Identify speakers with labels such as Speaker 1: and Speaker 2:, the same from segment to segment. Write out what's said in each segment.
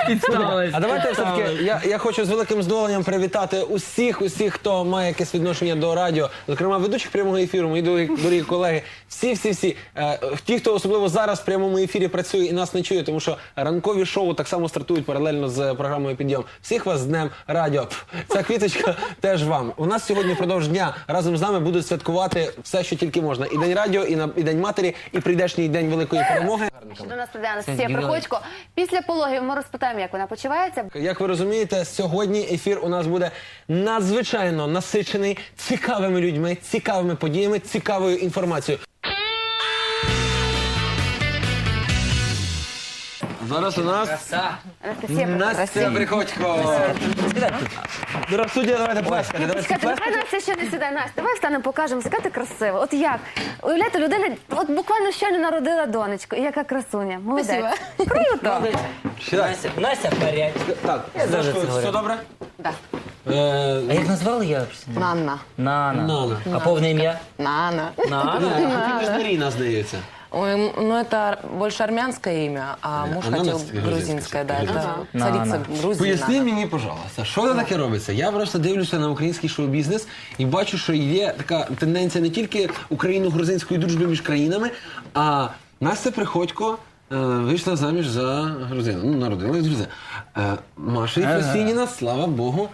Speaker 1: А давайте все-таки, я хочу з великим задоволенням привітати усіх, хто має якесь відношення до радіо, зокрема ведучих прямого ефіру, мої дорогі колеги, всі, ті, хто особливо зараз в прямому ефірі працює і нас не чує, тому що ранкові шоу так само стартують паралельно з програмою «Підйом». Всіх вас з Днем Радіо. Ця квіточка теж вам. У нас сьогодні впродовж дня разом з нами будуть святкувати все, що тільки можна. І День Радіо, і День Матері, і прийдешній День Великої Перемоги.
Speaker 2: До нас прийде Анастасія Приходько. Після пологів ми розпитаємо, як вона почувається.
Speaker 1: Як ви розумієте, сьогодні ефір у нас буде надзвичайно насичений цікавими людьми, цікавими подіями, цікавою інформацією. Зараз у нас Настя Приходько. Дорога суддя, давайте плескати.
Speaker 2: Чекайте, давай Настя ще не сідай. Настя, давай встанемо, покажемо, яка ти красива. От як? Уявляєте, людина от буквально щойно народила донечку. І яка красуня. Молодець. Круто.
Speaker 3: Настя в порядку.
Speaker 1: Так, все добре?
Speaker 2: Да.
Speaker 3: А як назвали я?
Speaker 2: Нанна.
Speaker 3: Нана. А повне ім'я?
Speaker 2: Нана.
Speaker 1: Ти ж Маріна, здається.
Speaker 4: Ой, ну это больше армянское имя, а муж
Speaker 1: она
Speaker 4: хотел
Speaker 1: грузинское,
Speaker 4: грузинское, да, это
Speaker 3: Нана.
Speaker 4: царица Грузии.
Speaker 1: Поясни мені, пожалуйста, що це таке робиться? Я просто дивлюся на український шоу-бізнес і бачу, що є така тенденція не тільки україно-грузинської дружби між країнами, а Настя Приходько вийшла заміж за грузина. Ну, народилась грузина. Маша Єфросініна, слава Богу,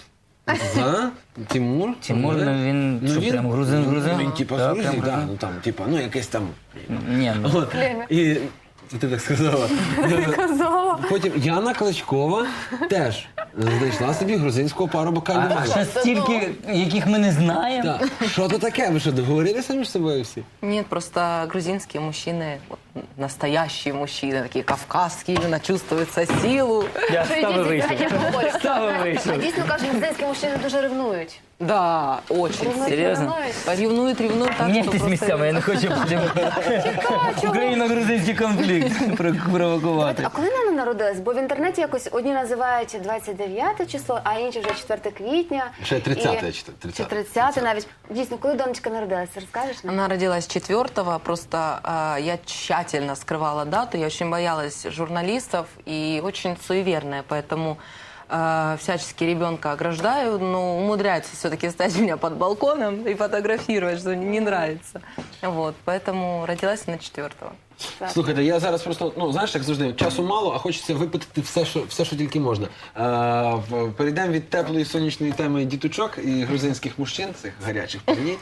Speaker 1: за Тимур.
Speaker 3: Тимур, він що, прям грузин?
Speaker 1: Він типа з Грузії, так, ну там, типа, ну якесь там.
Speaker 3: Ні, ну.
Speaker 1: От. І ти так сказала.
Speaker 2: Казала.
Speaker 1: Потім Яна Кличкова теж знайшла собі грузинського парубка.
Speaker 3: А ще стільки, яких ми не знаємо.
Speaker 1: Так. Що то таке? Ви що, договорилися між собою всі?
Speaker 4: Нет, просто грузинские мужчины, вот, настоящие мужчины, такие кавказские, именно чувствуется силу.
Speaker 3: Я
Speaker 2: Що
Speaker 3: ставив вийшов. Ставив
Speaker 2: А
Speaker 3: вийшов.
Speaker 2: дійсно кажуть, грузинські мужчини дуже ревнують.
Speaker 4: Да, очень.
Speaker 3: Серйозно?
Speaker 4: Ревнует так, что
Speaker 3: Міняйтесь
Speaker 4: просто...
Speaker 3: місцями, я не хочу потім україно-грузинський конфлікт провокувати.
Speaker 2: А коли Нана народилась? Бо в інтернеті якось одні називають 29 число, а інші вже 4 квітня.
Speaker 1: Ще 30-е,
Speaker 2: І-
Speaker 1: чи
Speaker 2: Чи 30 навіть. Дійсно, коли донечка народилась, розкажеш нам?
Speaker 4: Она родилась 4-го, просто я тщательно скрывала дату, я очень боялась журналистов и очень суеверная, поэтому всячески ребенка ограждаю, но умудряется все-таки стать у меня под балконом и фотографировать, что не нравится. Вот, поэтому родилась она 4-го.
Speaker 1: Слухайте, я зараз просто, ну, знаєш, як завжди, часу мало, а хочеться випитати все, що тільки можна. Перейдемо від теплої сонячної теми діточок і грузинських мужчин, цих гарячих парнів,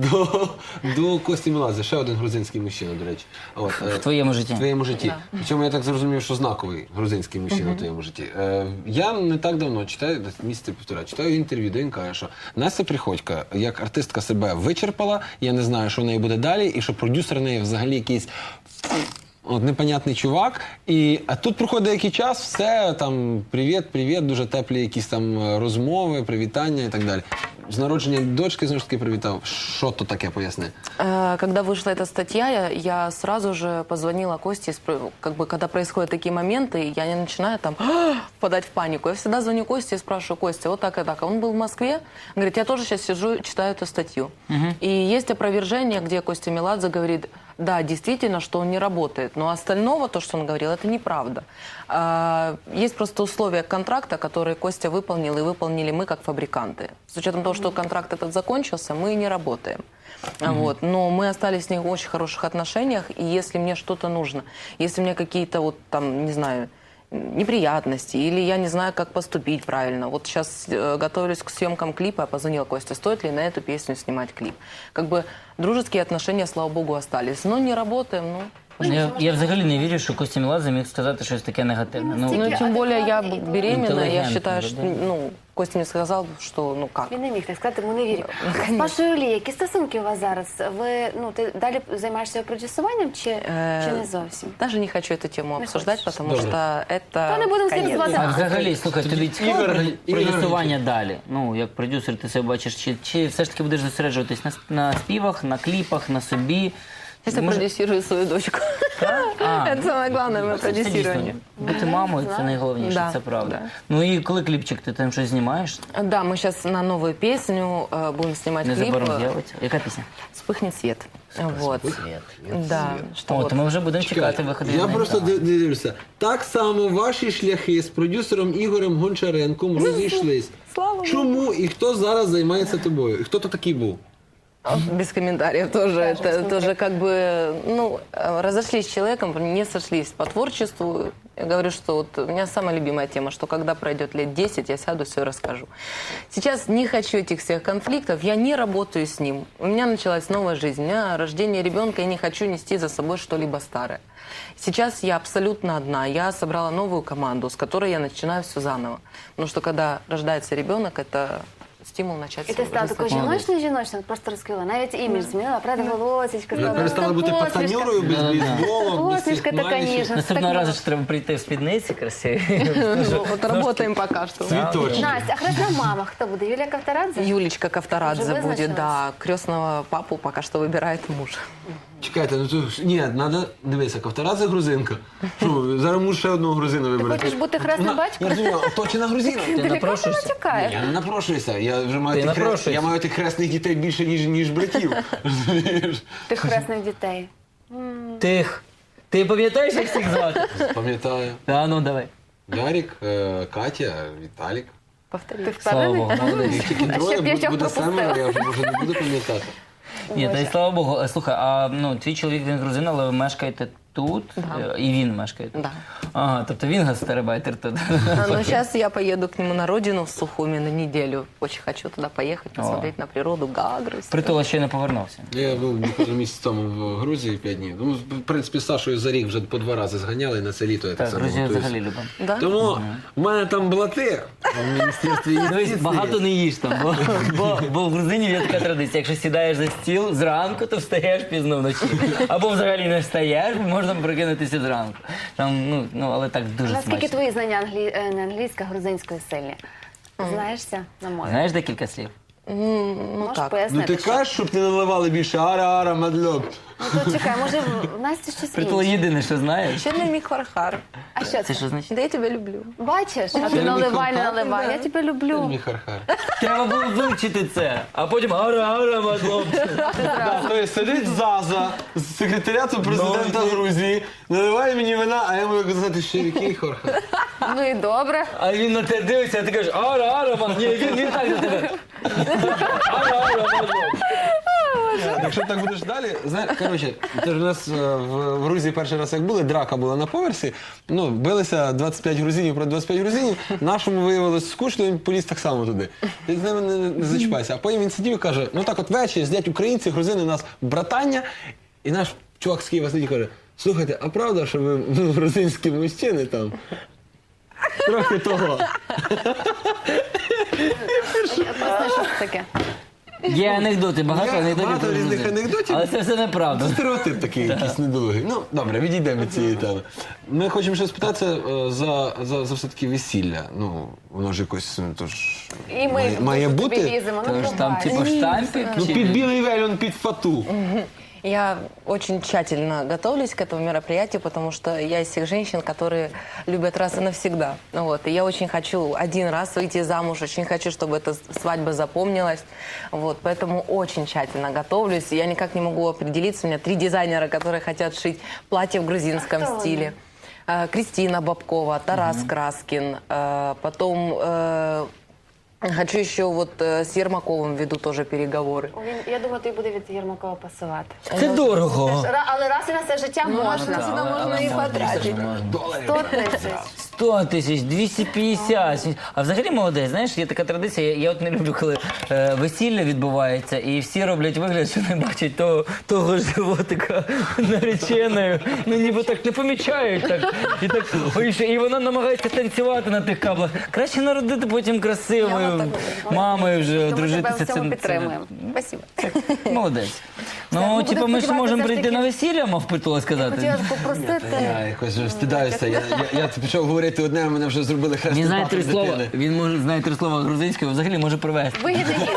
Speaker 1: до Кості Меладзе. Ще один грузинський мужчина, до речі. От,
Speaker 3: В твоєму житті.
Speaker 1: в твоєму житті. Причому я так зрозумів, що знаковий грузинський мужчина в твоєму житті. Я не так давно читаю, місяці півтора, читаю інтерв'ю, де він каже, що Настя Приходько, як артистка, себе вичерпала, я не знаю, що в неї буде далі, і що продюсер в неї взагалі якийсь непонятний чувак. А тут проходить деякий час, все, там, привіт, дуже теплі якісь там розмови, привітання і так далі. З народження дочки, знову ж таки, привітав. Що то таке, поясни?
Speaker 4: Когда вышла эта статья, я сразу же позвонила Косте, как бы, когда происходят такие моменты, я не начинаю там впадать в панику. Я всегда звоню Косте и спрашиваю: Костя, вот так и так. А он был в Москве, говорит, я тоже сейчас сижу, читаю эту статью. И есть опровержение, где Костя Меладзе говорит: да, действительно, что он не работает, но остального, то, что он говорил, это неправда. Есть просто условия контракта, которые Костя выполнил, и выполнили мы как фабриканты. С учетом того, что контракт этот закончился, мы не работаем. Вот. Но мы остались с ним в очень хороших отношениях, и если мне что-то нужно, если мне какие-то вот там, не знаю, неприятности, или я не знаю, как поступить правильно. Вот сейчас готовлюсь к съемкам клипа, я позвонила Косте, стоит ли на эту песню снимать клип. Как бы дружеские отношения, слава богу, остались. Но не работаем, ну...
Speaker 3: Я взагалі не вірю, що Костя Меладзе міг сказати щось таке негативне.
Speaker 4: Ну, тем более я беременна, я
Speaker 3: Интеллигентно,
Speaker 4: считаю, что, ну, Костя мне сказал, что, ну, как.
Speaker 2: Він не міг так сказати, ми не віримо. З Пашою Лі, які стосунки у вас зараз? Ви, ну, ти далі займаєшся продюсуванням чи не зовсім?
Speaker 4: Даже не хочу эту тему обсуждать, потому
Speaker 1: Добре.
Speaker 4: что это...
Speaker 2: То не будемо
Speaker 4: конец.
Speaker 2: слідкувати.
Speaker 3: А взагалі, слухай, тобі цікаво
Speaker 1: Ігор-
Speaker 3: продюсування далі? Ну, як продюсер ти себе бачиш, чи все ж таки будеш зосереджуватись на співах, на кліпах, на собі?
Speaker 4: Сейчас я продюсирую свою дочку. Это самое главное, мое
Speaker 3: Це дійсно,
Speaker 4: продюсирование.
Speaker 3: бути мамою – це найголовніше,
Speaker 4: Да,
Speaker 3: це правда.
Speaker 4: да.
Speaker 3: Ну і коли кліпчик, ти там щось знімаєш?
Speaker 4: Да, мы сейчас на новую песню будем снимать клип.
Speaker 3: Незабаром з'явиться. Яка пісня?
Speaker 4: «Вспыхнет свет». Вот. Да, что
Speaker 3: О,
Speaker 4: вот.
Speaker 3: то ми вже будемо чекати виходу.
Speaker 1: Я просто дивлюся. Так само ваші шляхи з продюсером Ігорем Гончаренком розійшлись.
Speaker 4: Слава Богу.
Speaker 1: Чому і хто зараз займається тобою? І хто то такий був?
Speaker 4: Без комментариев тоже. Это тоже как бы, ну, разошлись с человеком, не сошлись по творчеству. Я говорю, что вот у меня самая любимая тема, что когда пройдет лет 10, я сяду, все расскажу. Сейчас не хочу этих всех конфликтов, я не работаю с ним. У меня началась новая жизнь, у меня рождение ребенка, я не хочу нести за собой что-либо старое. Сейчас я абсолютно одна, я собрала новую команду, с которой я начинаю все заново. Потому что когда рождается ребенок, это стимул начать
Speaker 2: І ти
Speaker 4: свою
Speaker 2: стала
Speaker 4: жизнь.
Speaker 2: такою жіночною, просто розкрила. Навіть імідж змінила, правда, волосечко.
Speaker 1: Ви перестали бути пацанюрою без бейсболу, без
Speaker 2: Посмішка
Speaker 1: всіх
Speaker 2: така
Speaker 1: клавішів.
Speaker 2: ніжна.
Speaker 3: Наступного разу ж треба прийти в спідниці красиві.
Speaker 4: Ну, вот работаем пока что.
Speaker 1: Цвіточні.
Speaker 2: Настя, а хресна мама хто буде? Юлія Ковторадзе?
Speaker 4: Юлечка Ковторадзе
Speaker 2: Уже
Speaker 4: будет,
Speaker 2: вызначилась?
Speaker 4: да. Крестного папу пока что выбирает муж.
Speaker 1: Чекайте, ну тут ні, треба дивися, Ковторадзе грузинка. Що, зараз муж ще одного грузина вибере.
Speaker 2: хочеш бути хресним батьком?
Speaker 1: Я розумію, точно грузина.
Speaker 3: Ти
Speaker 2: Ти лікарка
Speaker 3: напрошуєшся?
Speaker 2: натякаєш.
Speaker 1: Я не напрошуюся, я вже маю
Speaker 3: Ти
Speaker 1: тих
Speaker 3: напрошуєшся.
Speaker 1: я маю тих хресних дітей більше, ніж братів. Розумієш?
Speaker 2: Тих хресних дітей.
Speaker 3: Тих. Ти пам'ятаєш, як всіх звати?
Speaker 1: Пам'ятаю.
Speaker 3: Та ну давай.
Speaker 1: Ярік, Катя, Віталік.
Speaker 4: Повтори.
Speaker 2: Ти
Speaker 3: Слава
Speaker 2: впевнений?
Speaker 3: Богу, молодець.
Speaker 1: Їх тільки
Speaker 2: А ще
Speaker 1: троє,
Speaker 2: п'ятьох
Speaker 1: буде
Speaker 2: пропустила.
Speaker 1: семеро, я вже може не буду пам'ятати.
Speaker 3: Ні, та й слава Богу. Слухай, а ну, твій чоловік він грузин, але ви мешкаєте тут, і він мешкає тут.
Speaker 4: Да.
Speaker 3: Ага, тобто він гастарбайтер тут.
Speaker 4: Но сейчас я поеду к нему на родину в Сухуми на неделю. Очень хочу туда поехать, посмотреть на природу, Гагру.
Speaker 3: Притула ще не повернувся.
Speaker 1: Я був буквально місяць тому в Грузії 5 днів. Ну, в принципі, з Сашою за рік вже по 2 рази зганяли на це літо. Я
Speaker 3: Так,
Speaker 1: само
Speaker 3: Грузію
Speaker 1: готуюся.
Speaker 3: взагалі любимо.
Speaker 4: Да?
Speaker 1: Тому в мене там блати в міністерстві
Speaker 3: Дивись,
Speaker 1: юстиції.
Speaker 3: багато не їж там, бо в грузинів є така традиція. Якщо сідаєш за стіл зранку, то встаєш пізно вночі. Або взагалі не встаєш, можна прокинутися зранку. Там, але так дуже
Speaker 2: Наскільки
Speaker 3: смачно.
Speaker 2: твої знання не англійська, грузинської сильні? Знаєшся на мові?
Speaker 3: Знаєш декілька слів?
Speaker 4: Ну
Speaker 2: Можеш
Speaker 4: так.
Speaker 1: Ну
Speaker 2: пояснити,
Speaker 1: ти кажеш, щоб ти наливали більше ара-ара, мадльоб.
Speaker 2: Ну то чекай, може в Насті щось
Speaker 3: Притула
Speaker 2: інше?
Speaker 3: єдине, що знаєш.
Speaker 4: Еще для Миквархар.
Speaker 2: А що
Speaker 3: Це
Speaker 2: це?
Speaker 3: що значить?
Speaker 4: Да я тебя люблю.
Speaker 2: Бачиш? А ти
Speaker 1: Це
Speaker 2: наливай, не
Speaker 1: мікрофон?
Speaker 2: наливай. Я тебе люблю.
Speaker 1: Міхархар.
Speaker 3: Треба було вивчити це, а потім ара-ара, мадлоб.
Speaker 1: Тобто сидить Заза з секретаріату президента Грузії, наливає мені вина, а я можу казати, що який хорхар.
Speaker 2: Ну і добре.
Speaker 3: А він на тебе дивиться, а ти кажеш ара-ара, мадлоб. Ні, він так на тебе. Ара-ара, мадлоб.
Speaker 1: Якщо так будеш далі, коротше, це ж у нас в Грузії перший раз як були, драка була на поверсі, ну, билися 25 грузинів проти 25 грузинів, нашому виявилось скучно, він поліз так само туди. Ти з ними не зачіпайся. А потім він сидів і каже, ну так от ввечері сидять українці, грузини, у нас братання, і наш чувак з Києва сидить і каже, слухайте, а правда, що ви грузинські мужчини там? Трохи того.
Speaker 2: Поясни, що це таке.
Speaker 3: Є анекдоти, багато
Speaker 1: Є
Speaker 3: анекдотів.
Speaker 1: багато
Speaker 3: про
Speaker 1: різних
Speaker 3: грузин.
Speaker 1: анекдотів.
Speaker 3: Але це все неправда.
Speaker 1: Стереотип такий, якийсь недолугий. Ну, добре, відійдемо від цієї теми. Ми хочемо ще спитатися за все-таки весілля. Ну, воно ж якось, ну, то ж,
Speaker 2: І ми
Speaker 1: має
Speaker 2: тобі
Speaker 1: бути.
Speaker 2: ліземо. Ну,
Speaker 3: Тож там
Speaker 2: пробач.
Speaker 3: типу штампик.
Speaker 1: Ну,
Speaker 3: чи-
Speaker 1: під білий вельон, під фату.
Speaker 4: Я очень тщательно готовлюсь к этому мероприятию, потому что я из тех женщин, которые любят раз и навсегда. Вот. И я очень хочу один раз выйти замуж, очень хочу, чтобы эта свадьба запомнилась. Вот. Поэтому очень тщательно готовлюсь. Я никак не могу определиться. У меня 3 дизайнера, которые хотят шить платье в грузинском
Speaker 2: Кто
Speaker 4: стиле. Кристина Бабкова, Тарас Краскин, потом... Хочу еще вот с Ермаковым веду тоже переговоры.
Speaker 2: Я думаю, тобі буде від Єрмакова пасувати.
Speaker 3: Це дорого.
Speaker 2: Але раз і на все життя можна.
Speaker 4: Сюда можно и потратить.
Speaker 2: 100 тисяч.
Speaker 3: 100 тисяч, 250. А взагалі молодець, знаєш, є така традиція, я от не люблю, коли весілля відбувається, і всі роблять вигляд, що не бачать того животика нареченою. Ну ніби так не помічають. Так. І вона намагається танцювати на тих каблах. Краще народити потім красивою мамою вже,
Speaker 2: Тому тебе
Speaker 3: одружитися.
Speaker 2: в цьому підтримуємо. Спасибо.
Speaker 3: Молодець. Ну,
Speaker 2: будемо
Speaker 3: типу, ми ж
Speaker 2: сподіватися,
Speaker 3: можемо
Speaker 2: все ж
Speaker 3: прийти
Speaker 2: таки-
Speaker 3: на весілля, мав Питуло сказати.
Speaker 2: Хотіла попросити.
Speaker 1: Я якось вже стидаюся. Я почав говорити одне, а мене вже зробили хрестний
Speaker 3: Він знає
Speaker 1: папір
Speaker 3: 3 слова.
Speaker 1: дитини.
Speaker 3: Він може знає 3 слова грузинською, взагалі може привезти.
Speaker 2: Вигідний гість.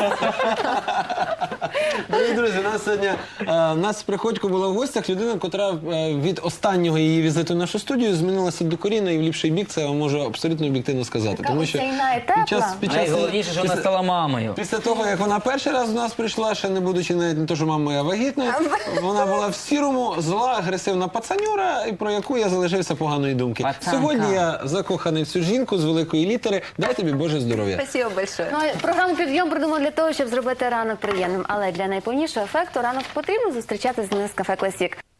Speaker 1: Дорогі друзі, у нас Приходько була в гостях, людина, котра від останнього її візиту в нашу студію змінилася докорінно і в ліпший бік, це я можу абсолютно об'єктивно сказати.
Speaker 2: Така осяйна і тепла.
Speaker 3: Найголовніше, що вона стала мамою.
Speaker 1: Після того, як вона перший раз до нас прийшла, ще не будучи навіть не то, що мама моя вагітною, вона була в сірому, зла, агресивна пацанюра, і про яку я залишився поганої думки.
Speaker 3: Пацанка.
Speaker 1: Сьогодні я закоханий в цю жінку з великої літери. Дай тобі Боже здоров'я.
Speaker 4: Спасибо большое.
Speaker 2: Ну, а програму «Підйом» придумали для того, щоб зробити ранок приємним. Але для найповнішого ефекту ранок потрібно зустрічати з Нескафе Класік.